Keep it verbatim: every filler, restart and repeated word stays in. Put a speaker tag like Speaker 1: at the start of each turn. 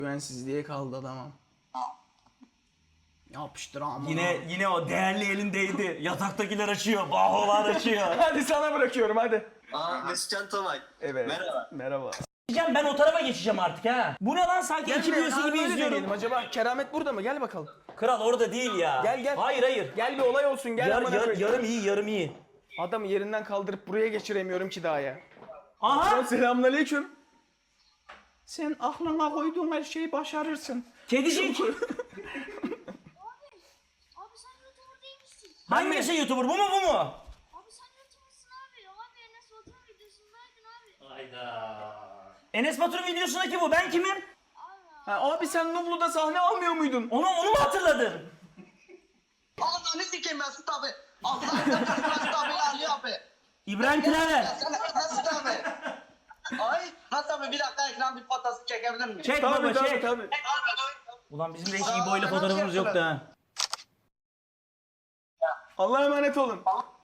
Speaker 1: Güvensizliğe kaldı adamım. Yapıştır ama.
Speaker 2: Yine yine o değerli elindeydi. Yataktakiler açıyor, baholar açıyor.
Speaker 1: Hadi sana bırakıyorum hadi.
Speaker 3: Aa Mesutcan Tomay.
Speaker 1: Evet.
Speaker 3: Merhaba.
Speaker 1: Merhaba.
Speaker 2: Diyeceğim ben o tarafa geçeceğim artık ha. Bu ne lan sanki iki videosu gibi izliyorum.
Speaker 1: Acaba Keramet burada mı? Gel bakalım.
Speaker 2: Kral orada değil ya.
Speaker 1: Gel, gel.
Speaker 2: Hayır hayır.
Speaker 1: Gel bir olay olsun gel.
Speaker 2: Yar,
Speaker 1: amına
Speaker 2: yar-
Speaker 1: koyayım.
Speaker 2: yarım iyi yarım iyi.
Speaker 1: Adamı yerinden kaldırıp buraya geçiremiyorum ki daha ya.
Speaker 2: Aha
Speaker 1: Selamünaleyküm. Sen aklına koyduğun her şeyi başarırsın.
Speaker 2: kedicik.
Speaker 4: Abi sen YouTuber değil misin?
Speaker 2: Hangisi YouTuber bu mu bu mu?
Speaker 4: Abi sen YouTuber'sın abi. Abi Enes Batur videosundaydın abi.
Speaker 2: Hayda. Enes Batur videosundaki bu. Ben kimim?
Speaker 4: Abi
Speaker 1: Ha, abi sen Nublu'da sahne almıyor muydun?
Speaker 2: Onu onu mu hatırladın?
Speaker 3: Ananı sikeyim Mesut abi. Allah'ın Mesut abi Ali abi.
Speaker 2: İbrahim Traver.
Speaker 3: Sen Mesut abi. Ay Hasan abi bir dakika ekran bir fotoğrafı çekebilir miyim?
Speaker 2: Çek
Speaker 1: Tabii
Speaker 2: baba
Speaker 1: tabii
Speaker 2: çek.
Speaker 1: tabii.
Speaker 2: Ulan bizim de hiç İbo ile fotoğrafımız yoktu ha.
Speaker 1: Allah'a emanet olun.